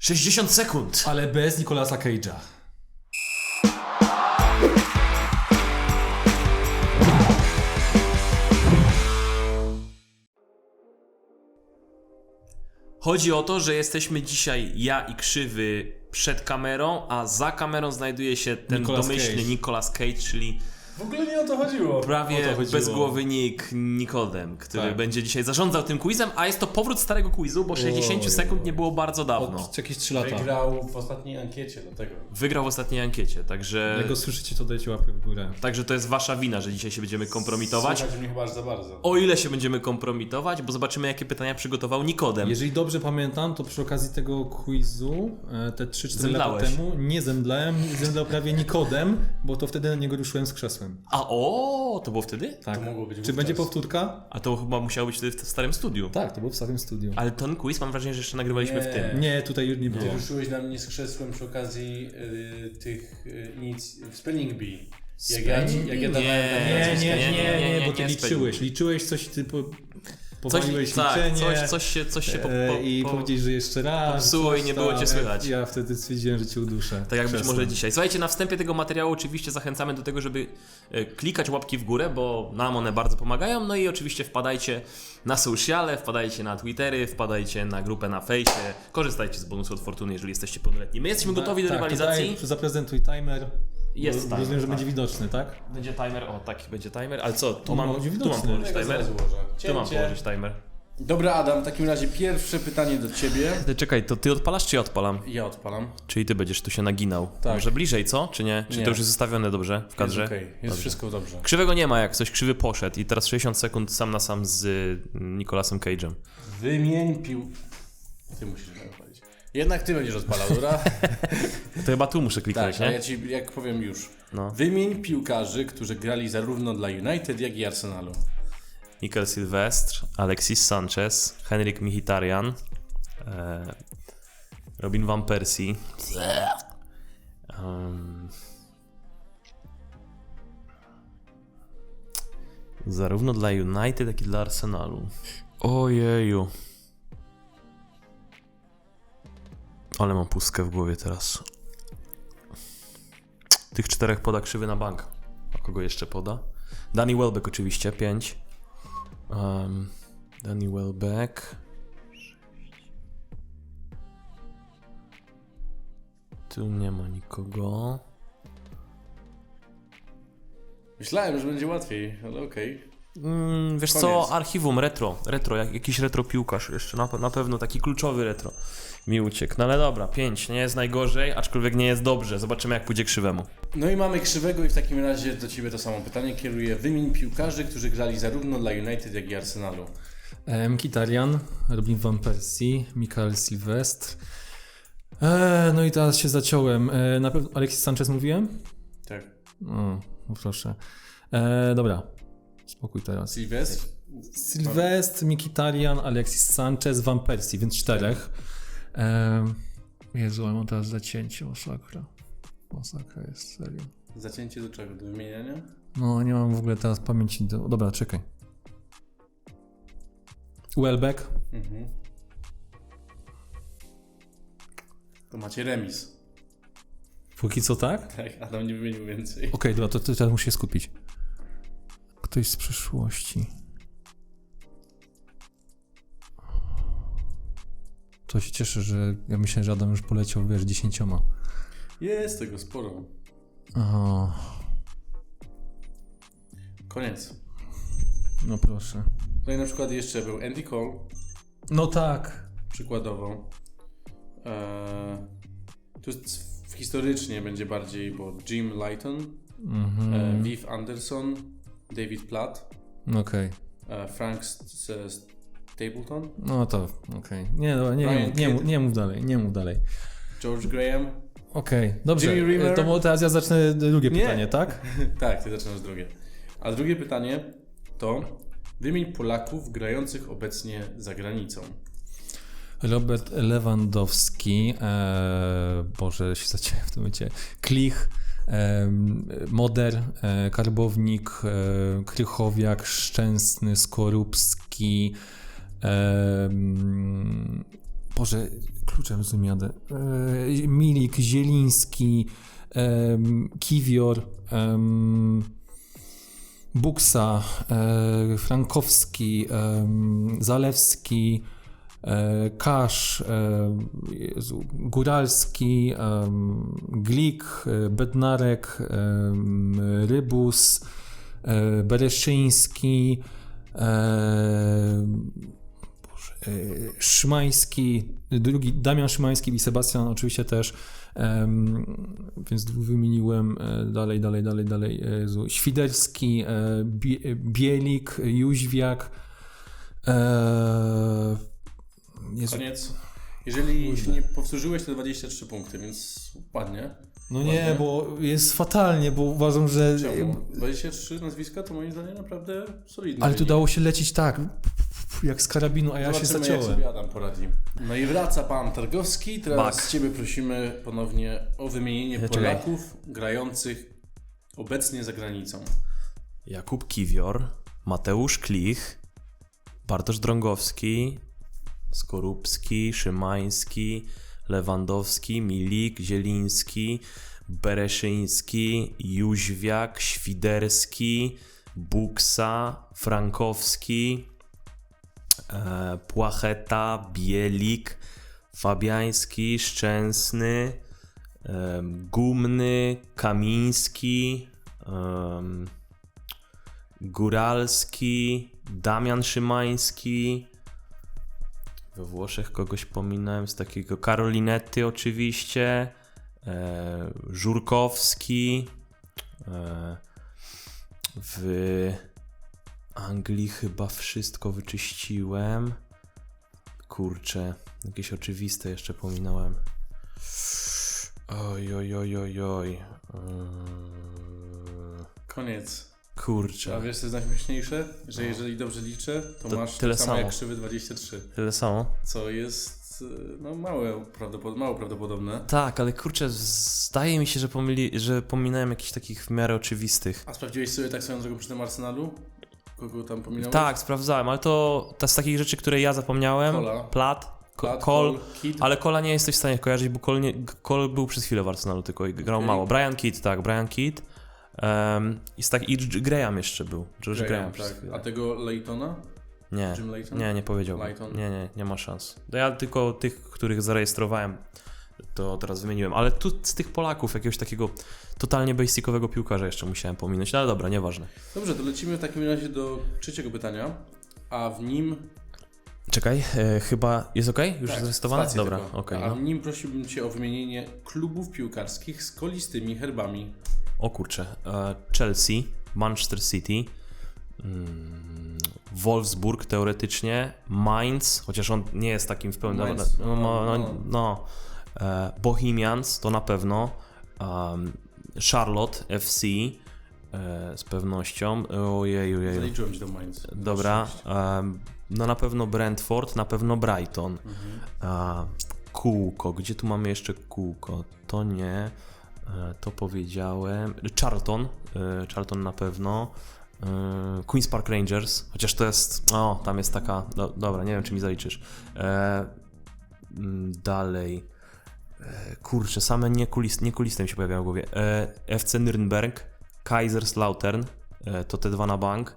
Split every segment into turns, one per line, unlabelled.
60 sekund!
Ale bez Nicolasa Cage'a.
Chodzi o to, że jesteśmy dzisiaj ja i Krzywy przed kamerą, a za kamerą znajduje się ten
Nicolas
domyślny
Cage.
Nicolas Cage, czyli
W ogóle nie o to chodziło.
prawie
O to chodziło.
bezgłowy Nick Nikodem, który
Tak.
będzie dzisiaj zarządzał tym quizem, a jest to powrót starego quizu, bo 60 sekund nie było bardzo dawno.
Od jakieś 3 lata.
Wygrał w ostatniej ankiecie, dlatego.
Wygrał w ostatniej ankiecie, także...
Jak go słyszycie, to dajcie łapkę w górę.
Także to jest wasza wina, że dzisiaj się będziemy kompromitować.
Słuchajcie mnie chyba aż za bardzo.
O ile się będziemy kompromitować, bo zobaczymy, jakie pytania przygotował Nikodem.
Jeżeli dobrze pamiętam, to przy okazji tego quizu, te 3-4 lata
Zemdlałeś.
temu, nie zemdlałem, zemdlał prawie Nikodem, bo to wtedy na niego ruszyłem z krzesłem.
A to było wtedy?
Tak.
To mogło być
Czy
wówczas.
będzie powtórka?
A to chyba musiało być wtedy w starym studiu.
Tak, to było w starym studiu.
Ale ten quiz mam wrażenie, że jeszcze nagrywaliśmy w
Nie.
tym.
Nie, tutaj już nie było.
Ty ruszyłeś na mnie z krzesłem przy okazji tych w Spelling Bee. Jak ja
Nie,
dawałem
Nie, bo ty
nie,
liczyłeś coś, ty powaliłeś
tak,
liczenie
coś się
i powiedzieć, że jeszcze raz.
popsuło i
coś
nie
tam.
było cię słychać.
Ja wtedy stwierdziłem, że cię uduszę.
Tak jak być
krzesłem.
może dzisiaj. Słuchajcie, na wstępie tego materiału oczywiście zachęcamy do tego, żeby klikać łapki w górę, bo nam one bardzo pomagają. No i oczywiście wpadajcie na sociale, wpadajcie na Twittery, wpadajcie na grupę na fejsie, korzystajcie z bonusu od Fortuny, jeżeli jesteście pełnoletni. My jesteśmy gotowi do
Tak,
rywalizacji.
Tutaj zaprezentuj timer.
Jest
Bo
timer,
rozumiem, że
tak.
będzie widoczny, tak?
Będzie timer, taki będzie timer, ale co, tu
On
mam
będzie
położyć
widoczny.
timer? Tu mam położyć timer.
Dobra, Adam, w takim razie pierwsze pytanie do ciebie.
Czekaj, to ty odpalasz czy ja odpalam?
Ja odpalam.
Czyli ty będziesz tu się naginał.
Tak.
Może bliżej, co? Czy nie? Czy
Nie.
to już jest zostawione dobrze w kadrze?
Jest okej, jest
Dobrze.
wszystko dobrze.
Krzywego nie ma, jak coś krzywy poszedł i teraz 60 sekund sam na sam z Nicolasem Cage'em.
Wymień Ty musisz mnie odpalić. Jednak ty będziesz odpalał, dobra?
To chyba tu muszę kliknąć,
Tak, a
nie?
ja ci jak powiem już.
No.
Wymień piłkarzy, którzy grali zarówno dla United, jak i Arsenalu.
Mikel Silvestre, Alexis Sanchez, Henrik Mkhitaryan, Robin van Persie. Zarówno dla United, jak i dla Arsenalu. Ojeju. Ale mam pustkę w głowie teraz. Tych 4 poda krzywy na bank. A kogo jeszcze poda? Danny Welbeck oczywiście, 5. Danny Welbeck. Tu nie ma nikogo.
Myślałem, że będzie łatwiej, ale okej.
Wiesz
Koniec.
co, archiwum retro, jakiś retro piłkarz jeszcze, na pewno taki kluczowy retro mi uciekł. No ale dobra, 5, nie jest najgorzej, aczkolwiek nie jest dobrze, zobaczymy jak pójdzie krzywemu.
No i mamy krzywego i w takim razie do ciebie to samo pytanie kieruję. Wymień piłkarzy, którzy grali zarówno dla United, jak i Arsenalu.
Mkhitaryan, Robin van Persie, Mikel Silvestre. No i teraz się zaciąłem. Na pewno Alexis Sanchez mówiłem?
Tak.
No proszę. Dobra, spokój teraz.
Silvestre?
Silvestre, Mkhitaryan, Alexis Sanchez, Van Persie, więc 4. Jezu, ale mam teraz zacięcie, masakra. Masakra jest, serio.
Zacięcie do czego? Do wymieniania?
No, nie mam w ogóle teraz pamięci do... Dobra, czekaj. Welbeck.
Mhm. To macie remis.
Póki co tak?
Tak, Adam nie wymienił więcej.
Okej, dobra, to teraz muszę się skupić. Ktoś z przyszłości. To się cieszę, że ja myślę, że Adam już poleciał, wiesz, 10.
Jest tego sporo.
O,
Koniec.
no proszę.
Tutaj na przykład jeszcze był Andy Cole,
No tak.
przykładowo. Tu historycznie będzie bardziej, bo Jim Lighton, Viv Anderson, David Platt,
Okej.
Frank Stapleton,
No to, okej. Nie, dobra,
Brian Kidd.
nie mów dalej.
George Graham.
Okej, dobrze.
Jimmy Rimmer.
To teraz ja zacznę drugie
Nie.
pytanie, tak?
Tak, ty zaczynasz drugie. A drugie pytanie to wymień Polaków grających obecnie za granicą.
Robert Lewandowski, Boże, się zaciąłem w tym momencie, Klich, Moder, Karbownik, Krychowiak, Szczęsny, Skorupski, Boże, kluczem z tym jadę. Milik, Zieliński, Kiwior, Buksa, Frankowski, Zalewski, Kasz, Góralski, Glik, Bednarek, Rybus, Bereszyński, Szymański, drugi Damian Szymański i Sebastian oczywiście też, więc dwóch wymieniłem, dalej, Świderski, Bielik, Jóźwiak,
Koniec. Jeżeli się nie powtórzyłeś, to 23 punkty, więc ładnie.
No nie, bo jest fatalnie, bo uważam, że...
Czemu? 23 nazwiska to moim zdaniem naprawdę solidne.
Ale tu dało się lecieć tak, jak z karabinu, a ja się
Zobaczymy,
zaciąłem.
jak sobie Adam poradzi. No i wraca pan Targowski. Teraz
Bak.
Ciebie prosimy ponownie o wymienienie Polaków grających obecnie za granicą.
Jakub Kiwior, Mateusz Klich, Bartosz Drągowski, Skorupski, Szymański, Lewandowski, Milik, Zieliński, Bereszyński, Jóźwiak, Świderski, Buksa, Frankowski, Płacheta, Bielik, Fabiański, Szczęsny, Gumny, Kamiński, Góralski, Damian Szymański. We Włoszech kogoś pominąłem z takiego, Karolinetti oczywiście, Żurkowski, w Anglii chyba wszystko wyczyściłem. Kurczę, jakieś oczywiste jeszcze pominąłem. Oj.
Koniec.
Kurczę.
A wiesz, co jest najśmieszniejsze? Że jeżeli dobrze liczę, to masz
tyle
tyle samo jak
samo.
krzywy 23.
Tyle samo?
Co jest mało prawdopodobne.
Tak, ale kurczę, zdaje mi się, że pominąłem jakichś takich w miarę oczywistych.
A sprawdziłeś sobie tak swoją drogą przy tym Arsenalu? Kogo tam pominąłeś?
Tak, sprawdzałem, ale to z takich rzeczy, które ja zapomniałem.
Kola.
Plat,
Kol,
Cole,
Kidd.
ale Kola nie jesteś w stanie kojarzyć, bo Cole był przez chwilę w Arsenalu tylko i grał
Okej.
mało. Brian Kidd. I Graham jeszcze był. George Graham przez
tak.
chwilę.
A tego Laytona?
Nie,
Jim Layton?
nie powiedziałbym.
Layton?
Nie ma szans. No ja tylko tych, których zarejestrowałem, to teraz wymieniłem. Ale tu z tych Polaków jakiegoś takiego totalnie basicowego piłkarza jeszcze musiałem pominąć. No ale dobra, nieważne.
Dobrze, to lecimy w takim razie do trzeciego pytania, a w nim...
Czekaj, chyba jest ok? Już
Tak,
zarejestrowane?
spacji
Dobra,
tylko.
okej.
A
No.
w nim prosiłbym Cię o wymienienie klubów piłkarskich z kolistymi herbami.
O kurczę. Chelsea, Manchester City, Wolfsburg teoretycznie, Mainz, chociaż on nie jest takim w pełni...
Mainz,
Bohemians to na pewno, Charlotte FC z pewnością. Ojej.
Zaliczyłem Ci do Mainz.
Dobra. No na pewno Brentford, na pewno Brighton. Kółko, gdzie tu mamy jeszcze kółko? To nie, to powiedziałem. Charlton na pewno. Queen's Park Rangers, chociaż to jest, tam jest taka, dobra, nie wiem czy mi zaliczysz. Dalej. Kurczę, same niekuliste mi się pojawiają w głowie. FC Nürnberg, Kaiserslautern, to te dwa na bank.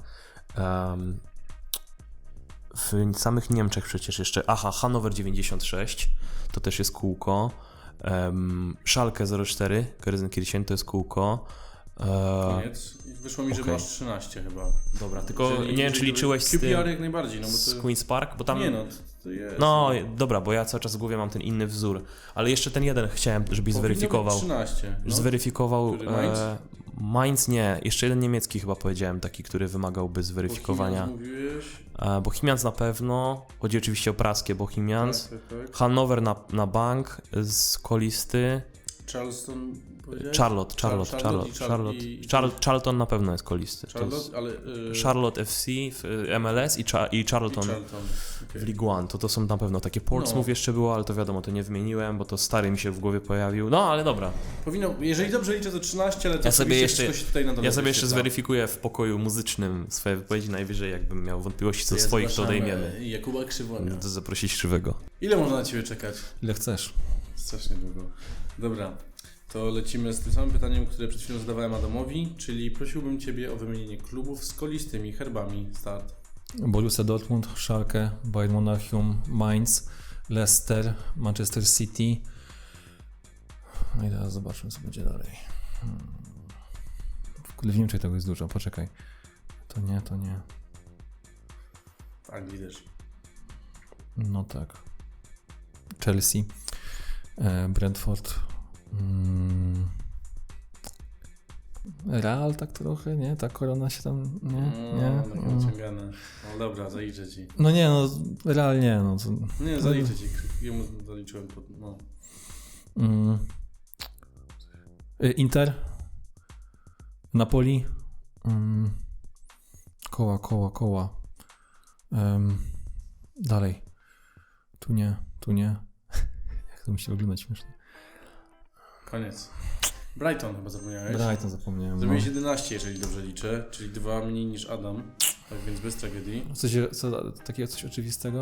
W samych Niemczech przecież jeszcze, Hannover 96, to też jest kółko. Schalke 04, Gelsenkirchen to jest kółko.
Koniec. Wyszło mi, że
okej.
masz 13 chyba.
Dobra, tylko nie wiem czy liczyłeś z tym,
QPR jak najbardziej, no bo
z
to...
Queen's Park, bo tam...
Nie no, to jest...
No, dobra, bo ja cały czas w głowie mam ten inny wzór, ale jeszcze ten jeden chciałem, żebyś
Powinno być
zweryfikował.
13. No.
Zweryfikował.
Który, Mainz?
Mainz nie, jeszcze jeden niemiecki chyba powiedziałem, taki, który wymagałby zweryfikowania.
Bohemians mówiłeś.
Bohemians na pewno, chodzi oczywiście o praskie Bohemians.
Tak.
Hannover na bank z kolisty.
Charleston powiedziałeś?
Charlton na pewno jest kolisty.
Charlotte, ale...
Charlotte FC w MLS i Charlton
okay.
w League One. To są na pewno takie. Portsmouth jeszcze było, ale to wiadomo, to nie wymieniłem, bo to stary mi się w głowie pojawił. No, ale dobra.
Powinno, jeżeli dobrze liczę, to 13, ale to
Ja sobie jeszcze
jeszcze
zweryfikuję w pokoju muzycznym swoje wypowiedzi, najwyżej jakbym miał wątpliwości co swoich, to odejmiemy.
Jakuba Krzywonia.
To zaprosić Krzywego.
Ile można na Ciebie czekać?
Ile chcesz?
Strasznie długo. Dobra, to lecimy z tym samym pytaniem, które przed chwilą zadawałem Adamowi, czyli prosiłbym Ciebie o wymienienie klubów z kolistymi herbami. Start.
Borussia Dortmund, Schalke, Bayern Monachium, Mainz, Leicester, Manchester City. No i teraz zobaczmy, co będzie dalej. W Niemczech tego jest dużo, poczekaj. To nie.
W Anglii też.
No tak. Chelsea, Brentford, Real tak trochę, nie? Ta korona się tam, nie?
Naciągane. No dobra, zaliczę Ci.
No nie, no Real nie, no. To,
Nie, zaliczę Ci. Jemu zaliczyłem to, no.
Inter, Napoli, koła. Dalej. Tu nie. Jak to musi wyglądać śmiesznie.
Koniec. Brighton chyba zapomniałeś.
Brighton zapomniałem.
Zrobiłeś 11, jeżeli dobrze liczę, czyli 2 mniej niż Adam, tak więc bez tragedii.
Takiego coś oczywistego?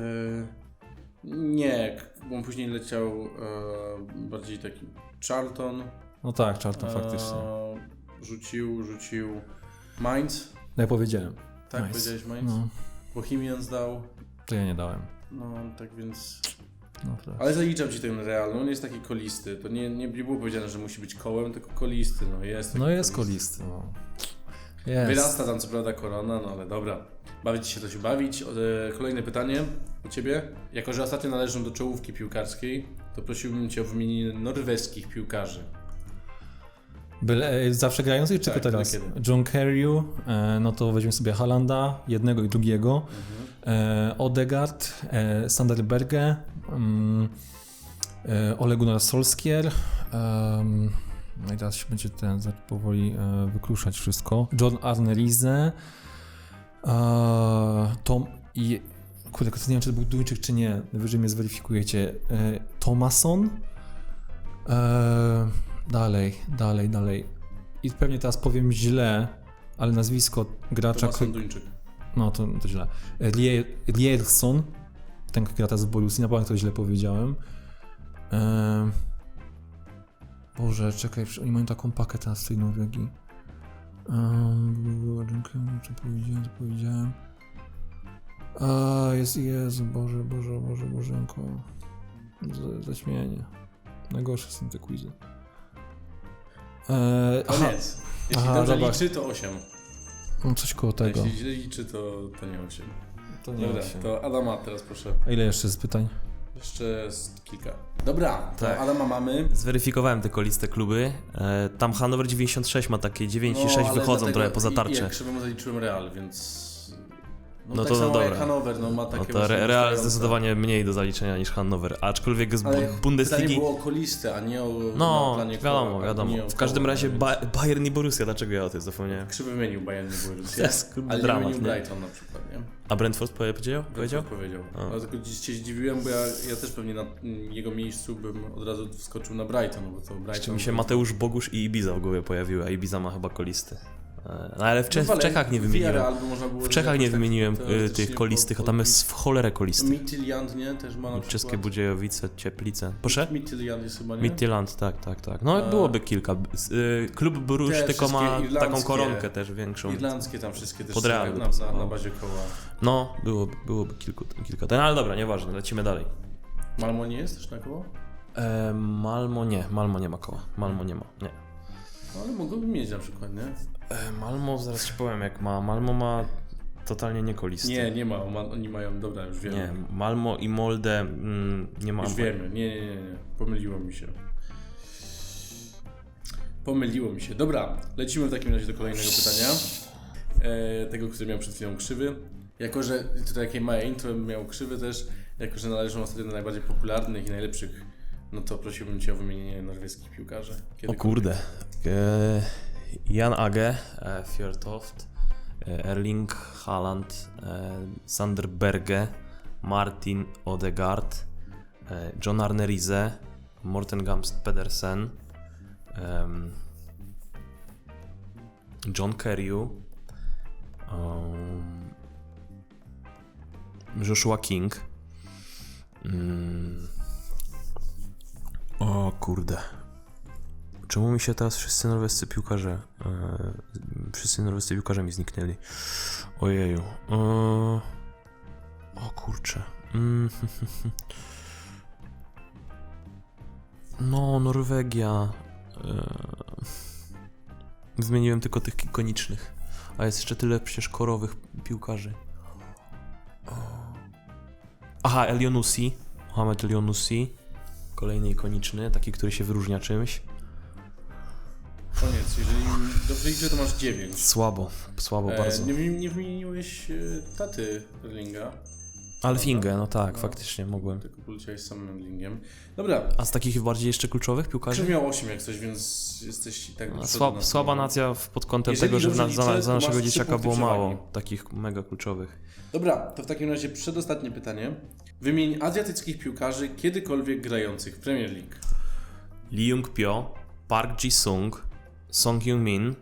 Nie, bo on później leciał bardziej taki Charlton.
No tak, Charlton faktycznie.
Rzucił Mainz.
No ja powiedziałem.
Tak,
Mainz.
powiedziałeś Mainz?
No,
Bohemians dał.
to ja nie dałem.
No, tak więc...
No, tak.
Ale zaliczam Ci ten Real, no on jest taki kolisty. To nie było powiedziane, że musi być kołem, tylko kolisty, no jest. Taki
Jest kolisty, no. Jest.
Wyrasta tam co prawda korona, no ale dobra. Bawić się to się bawić. Kolejne pytanie do Ciebie. Jako że ostatnio należą do czołówki piłkarskiej, to prosiłbym Cię o wymienienie norweskich piłkarzy.
Zawsze grających, czy
Tak,
tylko teraz?
kiedy?
John Carew, no to weźmiemy sobie Haalanda, jednego i drugiego. Odegaard, Sander Berge, Ole Gunnar Solskjaer. No i teraz się będzie powoli wykruszać wszystko. John Arne Riise, Tom i... Kurde, nie wiem, czy to był Duńczyk, czy nie. Wyżej mnie zweryfikujecie. Thomasson. Dalej. I pewnie teraz powiem źle, ale nazwisko gracza...
Thomasson Duńczyk.
No, to źle. Rierson, ten gra teraz w Borussii, na pewno to źle powiedziałem. Boże, czekaj, oni mają taką pakę teraz w tej Norwegii. Co powiedziałem? Jezu, Bożenko. Zaśmienie. Najgorsze są te quizy.
Koniec. Jeśli dobrze
dobra.
liczy, to 8.
No coś koło tego.
Jeśli źle liczy, to nie 8.
To nie
Dobra,
wiem.
to Adama teraz proszę.
A ile jeszcze z pytań?
Jeszcze z kilka. Dobra, to
Tak.
Adama mamy.
Zweryfikowałem te koliste kluby. Tam Hannover 96 ma takie 9 i 6
ale
wychodzą
dlatego
trochę poza
I
tarczę.
jak Krzywemu zaliczyłem Real, więc...
No
tak
to
samo
dobra.
jak Hannover, no ma
No
takie
to
właśnie
Real
wystające.
zdecydowanie mniej do zaliczenia niż Hannover, aczkolwiek z
Ale pytanie
Bundesligi...
było o kolistę, a nie o
No,
na planie koła,
wiadomo.
nie o
W każdym
koła,
razie
więc
Bayern i Borussia, dlaczego ja o tym zapomniałem?
Krzywy wymienił Bayern, nie było
To
Rusja.
jest
Ale nie
dramat,
wymienił
nie?
Brighton na przykład, nie?
A Brentford powiedział?
Powiedział.
A.
Ale tylko się zdziwiłem, bo ja też pewnie na jego miejscu bym od razu wskoczył na Brighton, bo to Brighton...
Jeszcze mi się Mateusz Bogusz i Ibiza w głowie pojawiły, a Ibiza ma chyba kolisty. No ale w Czechach nie wymieniłem. W Czechach nie wymieniłem tych kolistych, a tam jest w cholerę kolistych.
Midtjylland, nie? Też ma na przykład.
Czeskie Budziejowice, Cieplice. Proszę?
Midtjylland jest chyba, nie?
Midtjylland, tak. No byłoby kilka. Klub Bruges
Te
tylko ma
wszystkie
taką
irlandzkie-
koronkę też większą.
Irlandzkie tam wszystkie też
Pod
są
Real by
na
pasowało.
bazie koła.
No, byłoby kilka. No ale dobra, nieważne, lecimy dalej.
Malmo nie jest też na koło?
Malmo nie ma koła. Malmo nie ma, nie.
No ale mogłoby mieć na przykład, nie?
Malmo, zaraz ci powiem jak ma. Malmo ma totalnie niekolisty.
Nie ma. Oni mają, dobra, już wiemy.
Nie, Malmo i Molde nie ma.
Już wiemy. Nie. Pomyliło mi się. Dobra, lecimy w takim razie do kolejnego pytania. Tego, który miał przed chwilą Krzywy. Jako, że tutaj jakie małe intro miał Krzywy też, jako, że należą ostatnio do najbardziej popularnych i najlepszych no to prosiłbym Cię o wymienienie norweskich piłkarzy.
O kurde. Jan Age, Fjørtoft, Erling Haaland, Sander Berge, Martin Odegaard, John Arne Riise, Morten Gamst Pedersen, John Kerry, Joshua King. O kurde. Czemu mi się teraz wszyscy norwescy piłkarze mi zniknęli? Ojeju. O kurczę. No, Norwegia. Zmieniłem tylko tych ikonicznych. A jest jeszcze tyle przecież korowych piłkarzy. Aha, Elionussi. Mohamed Elionussi. Kolejny ikoniczny, taki, który się wyróżnia czymś.
Koniec, jeżeli dobrze liczę, to masz 9.
Słabo bardzo.
Nie wymieniłeś taty Erlinga.
Alfingę, no tak, faktycznie mogłem.
Tylko poleciałeś samym Erlingiem. Dobra.
A z takich bardziej jeszcze kluczowych piłkarzy?
Krzyw miał 8 jak coś, więc jesteś i tak...
Słaba nacja pod kątem
Jeżeli
tego, że
dobrze liczę,
za
to
naszego
masz 3
dzieciaka
punkty
było
przewagi.
mało takich mega kluczowych.
Dobra, to w takim razie przedostatnie pytanie. Wymień azjatyckich piłkarzy kiedykolwiek grających w Premier League.
Lee Jung-pyo, Park Ji-sung, Song Heung-min,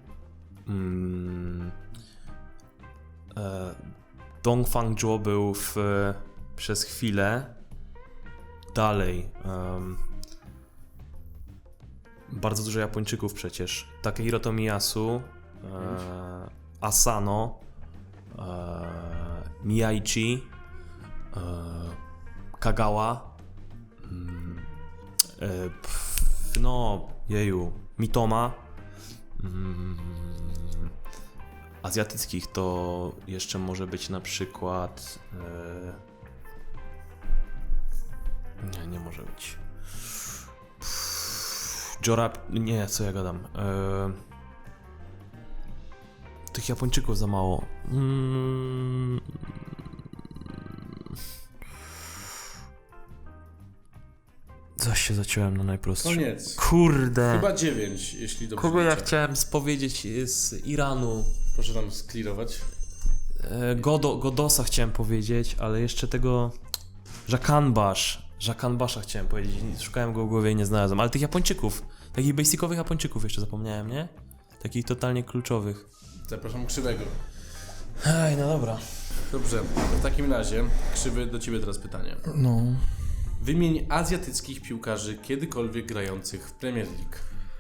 Dong Fang-jo był przez chwilę. Dalej. Bardzo dużo Japończyków przecież. Takehiro Tomiyasu, Asano, Miyaichi, Kagawa, no, jeju, Mitoma. Azjatyckich to jeszcze może być na przykład... Nie może być. Nie, co ja gadam. Tych Japończyków za mało. Zaś się zaciąłem na najprostsze.
Koniec.
Kurde.
Chyba 9, jeśli dobrze
Kogo ja
liczę.
chciałem powiedzieć z Iranu?
Proszę tam sklirować.
Godosa chciałem powiedzieć, ale jeszcze tego... Żakanbasza chciałem powiedzieć. Szukałem go w głowie i nie znalazłem. Ale tych Japończyków, takich basicowych Japończyków jeszcze zapomniałem, nie? Takich totalnie kluczowych.
Zapraszam Krzywego.
Ej, no dobra.
Dobrze, to w takim razie, Krzywy, do Ciebie teraz pytanie.
No.
Wymień azjatyckich piłkarzy kiedykolwiek grających w Premier League.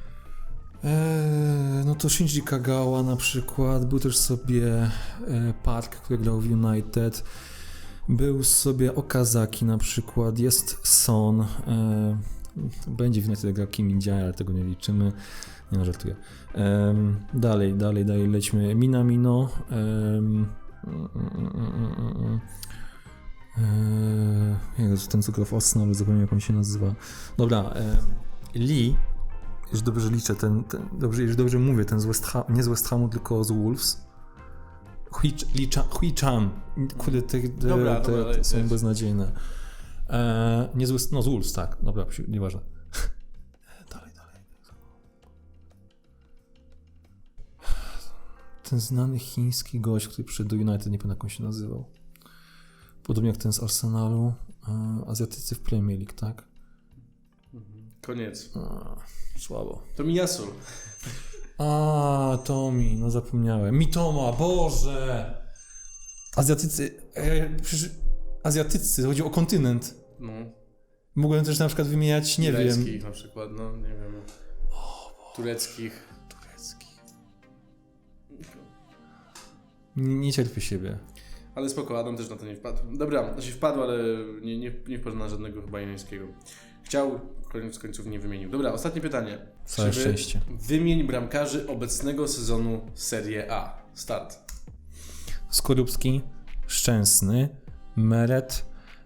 No to Shinji Kagawa na przykład, był też sobie Park, który grał w United, był sobie Okazaki na przykład, jest Son, będzie w United grał Kim Min-jae, ale tego nie liczymy, nie no, żartuję. Dalej lećmy, Minamino, ten co grał w Arsenalu, zapomniałem jak on się nazywa. Dobra, Lee, jeśli dobrze liczę, jeśli dobrze mówię, ten z West Ham, nie z West Hamu, tylko z Wolves. Hui Chan. Kurde, te są
jest.
beznadziejne. Nie z West, no z Wolves, tak. Dobra, nieważne. Dalej. Ten znany chiński gość, który przyszedł do United, nie pamiętam jak on się nazywał. Podobnie jak ten z Arsenalu. Azjatycy w Premier League, tak?
Koniec.
Słabo.
To Miyasu.
Tomi, no zapomniałem. Mitoma, Boże! Azjatycy, chodzi o kontynent.
No.
Mogłem też na przykład wymieniać, nie wiem.
Irańskich na przykład, no nie wiem. Tureckich.
Nie cierpię siebie.
Ale spoko, Adam też na to nie wpadł. Dobra, znaczy wpadł, ale nie wpadł na żadnego chyba irańskiego. Chciał, koniec końców nie wymienił. Dobra, ostatnie pytanie.
Całe
Krzywy,
szczęście.
Wymień bramkarzy obecnego sezonu Serie A. Start.
Skorupski, Szczęsny, Meret,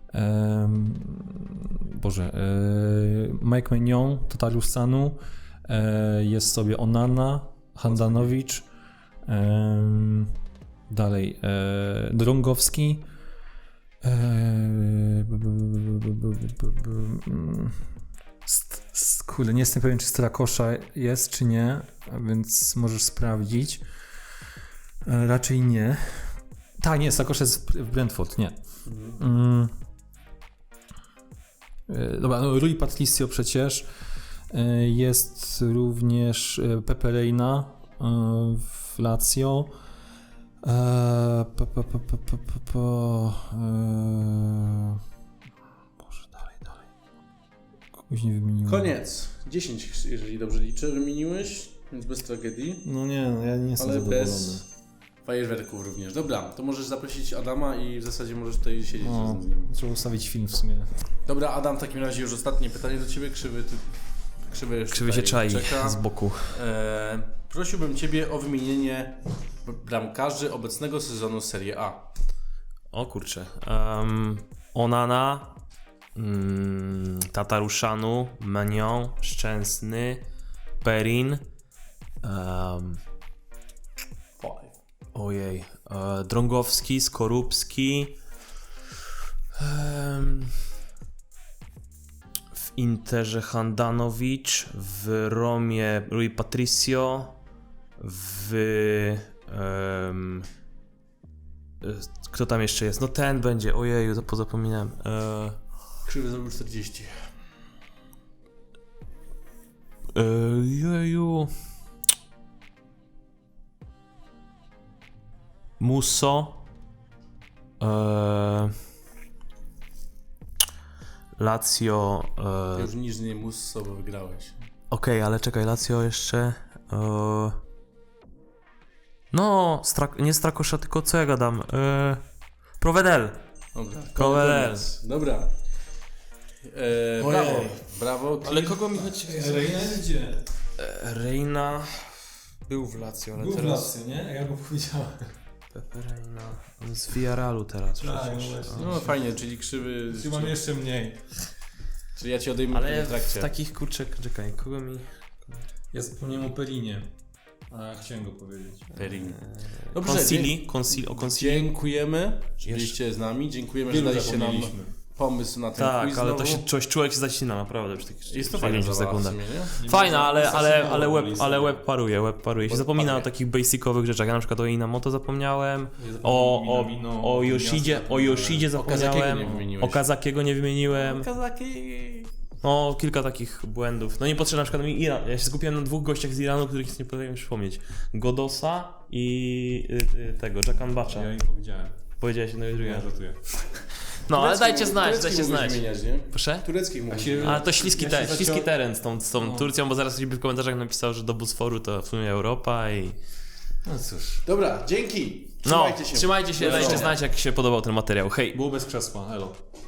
Mike Maignan, Totariusz Sanu, jest sobie Onana, Handanowicz, dalej Kurde, nie jestem pewien, czy Strakosza jest, czy nie, więc możesz sprawdzić. Raczej nie. Tak, nie, Strakosza jest w Brentford, nie. Dobra, no Rui Patricio przecież. Jest również Pepe Reina w Lazio. Boże, dalej. Kogoś nie wymieniłem.
Koniec. 10, jeżeli dobrze liczę, wymieniłeś, więc bez tragedii.
No nie, no ja nie jestem
Ale
zadowolony.
bez fajerwerków również. Dobra, to możesz zaprosić Adama i w zasadzie możesz tutaj siedzieć
No,
z nim.
trzeba ustawić film w sumie.
Dobra, Adam, w takim razie już ostatnie pytanie do Ciebie. Krzywy
się czai
czeka.
z boku.
Prosiłbym Ciebie o wymienienie bramkarzy obecnego sezonu Serie A.
O kurczę. Onana, Tataruszanu, Menion, Szczęsny, Perin, ojej, Drągowski, Skorupski, w Interze Handanovic, w Romie Rui Patricio, kto tam jeszcze jest? No ten będzie, ojeju, to pozapominałem.
Krzywy zrobił 40.
Jeju. Musso. Lazio.
Ty już niż nie Musso, bo wygrałeś.
Okej, ale czekaj, Lazio jeszcze. No, nie Strakosza, tylko co ja gadam? Provedel.
Dobra.
Provedel.
Dobra. Brawo. Brawo.
Ale kogo mi chodzi?
Reina idzie.
Reina był w Lazio, ale teraz...
nie? Ja go powiedziałem.
Pepe Reina. On z Villarrealu teraz
Tak,
przecież.
no właśnie.
No fajnie, czyli krzywy.
Mam jeszcze mniej.
Czyli ja ci odejmę
Ale
w trakcie.
w takich kurczek, czekaj, kogo mi...
Ja zapomniałem o Pelinie. A chciałem go powiedzieć.
Perin.
O Consili.
Dziękujemy, że byliście z nami. Dziękujemy, że daliście nam pomysł na ten
Tak,
quiz
ale
znowu.
to się człowiek się zacina naprawdę przy takich
Jest to fajna
sekundach.
w sumie, nie?
Fajna, ale web paruje. Się zapomina o takich basicowych rzeczach. Ja na przykład o Inamoto zapomniałem, o Yoshidzie zapomniałem,
nie wymieniłeś.
o Kazakiego nie wymieniłem. No, kilka takich błędów. No niepotrzebnie, na przykład mi Iran. Ja się skupiłem na dwóch gościach z Iranu, których nie potrafię już przypomnieć. Godosa i tego, Jackan Bacha.
Ja im powiedziałem.
Powiedziałeś jedno i drugie.
Ja żartuję.
No, ale dajcie
Tureckich
znać.
mógłbyś wymieniać, nie?
Proszę?
Tureckich mógłbyś
się-
wymieniać.
A to śliski teren z tą
No.
Turcją, bo zaraz ktoś by w komentarzach napisał, że do Bosforu to w sumie Europa i...
No cóż.
Dobra, dzięki.
No,
Trzymajcie się.
trzymajcie się,
Do
dajcie
widzenia.
znać, jak się podobał ten materiał. Hej!
Było bez krzesła, elo.